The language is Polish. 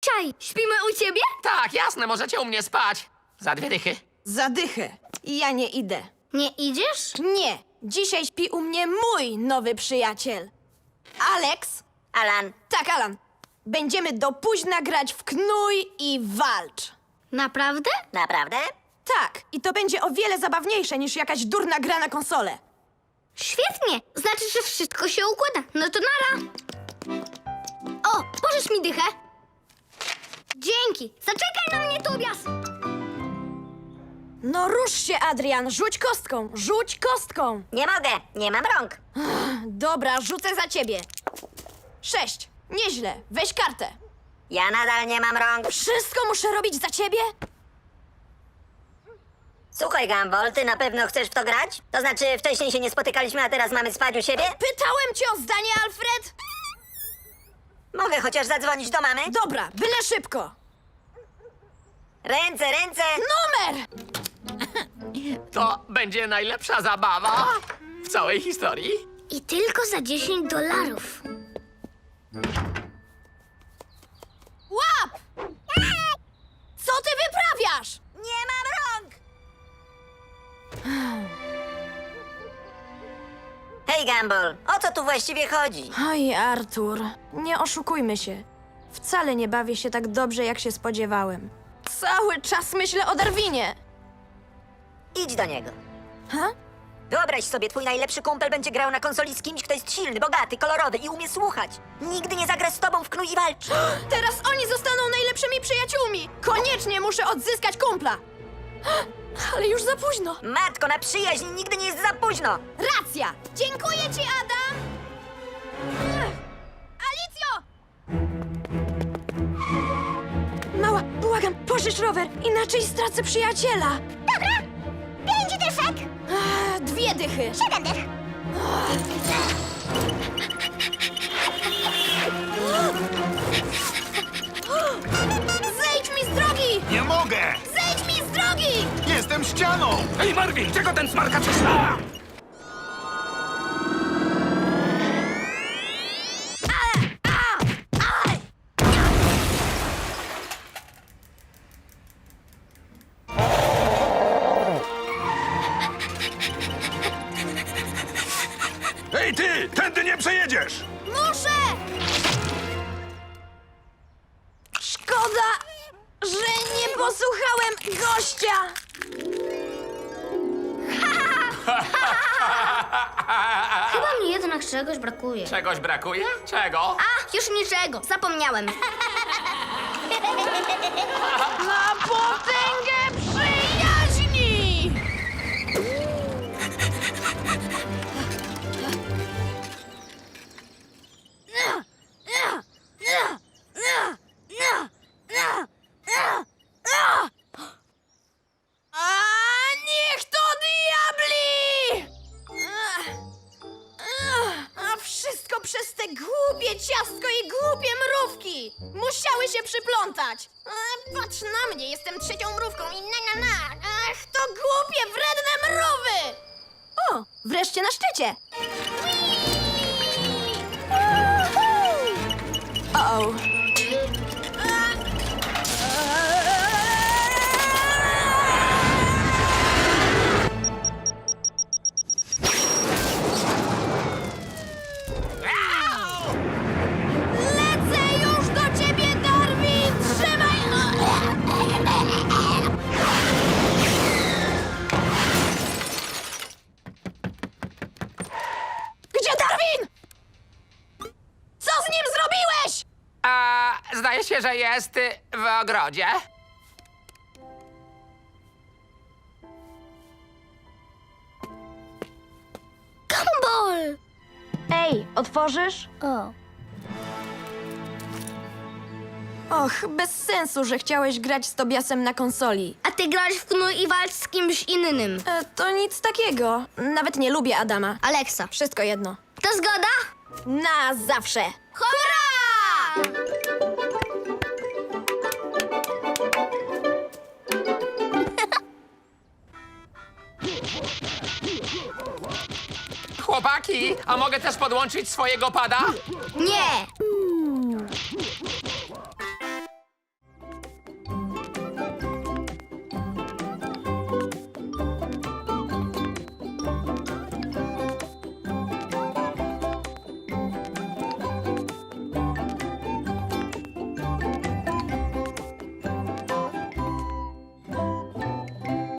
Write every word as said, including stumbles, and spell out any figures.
Czaj, śpimy u ciebie? Tak, jasne, możecie u mnie spać. Za dwie dychy. Zadychę. Ja nie idę. Nie idziesz? Nie. Dzisiaj śpi u mnie mój nowy przyjaciel. Alex. Alan, Tak, Alan. Będziemy do późna grać w Knuj i Walcz. Naprawdę? naprawdę? Tak, i to będzie o wiele zabawniejsze niż jakaś durna gra na konsolę. Świetnie! Znaczy, że wszystko się układa. No to nara! O, pożycz mi dychę. Dzięki! Zaczekaj na mnie, Tobias! No rusz się, Adrian. Rzuć kostką. Rzuć kostką. Nie mogę, nie mam rąk. Dobra, rzucę za ciebie. Sześć. Nieźle. Weź kartę. Ja nadal nie mam rąk. Wszystko muszę robić za ciebie? Słuchaj, Gumball, ty na pewno chcesz w to grać? To znaczy, wcześniej się nie spotykaliśmy, a teraz mamy spać u siebie? Pytałem cię o zdanie, Alfred. Mogę chociaż zadzwonić do mamy? Dobra, byle szybko. Ręce, ręce! Numer! To będzie najlepsza zabawa w całej historii. I tylko za dziesięć dolarów. Łap! Co ty wyprawiasz? Nie mam rąk! Hej, Gumball, o co tu właściwie chodzi? Oj, Artur, nie oszukujmy się. Wcale nie bawię się tak dobrze, jak się spodziewałem. Cały czas myślę o Darwinie. Idź do niego. Ha? Wyobraź sobie, twój najlepszy kumpel będzie grał na konsoli z kimś, kto jest silny, bogaty, kolorowy i umie słuchać. Nigdy nie zagra z tobą w Knuj i Walcz. Teraz oni zostaną najlepszymi przyjaciółmi. Koniecznie muszę odzyskać kumpla. Ale już za późno. Matko, na przyjaźń nigdy nie jest za późno. Racja! Dziękuję ci, Adam! Alicjo! Mała, błagam, pożycz rower, inaczej stracę przyjaciela. Dobra! Pięć dyszek! Ach, dwie dychy. Siedem dych! Zejdź mi z drogi! Nie mogę! Zejdź mi z drogi! Jestem ścianą! Ej, Marvin, czego ten smarkacz trzyma? Ej ty! Tędy nie przejedziesz! Muszę! Szkoda, że nie posłuchałem gościa. Chyba mi jednak czegoś brakuje. Czegoś brakuje? Czego? A, już niczego, zapomniałem. Na potęgę przyjaźni! A niech to diabli! A wszystko przez te głupie ciastko i głupie mrówki! Musiały się przyplątać! A, patrz na mnie, jestem trzecią mrówką i na na na! Ach, to głupie, wredne mrówy! O, wreszcie na szczycie! O. Lecę już do ciebie, Darwin! Trzymaj! Gdzie Darwin? Co z nim zrobiłeś? A, zdaje się, że jest y, w ogrodzie. Gumball! Ej, otworzysz? O. Och, bez sensu, że chciałeś grać z Tobiasem na konsoli. A ty grasz w Knuj i Walcz z kimś innym. E, to nic takiego. Nawet nie lubię Adama. Alexa. Wszystko jedno. To zgoda? Na zawsze. Hurra! Chłopaki, a mogę też podłączyć swojego pada? Nie!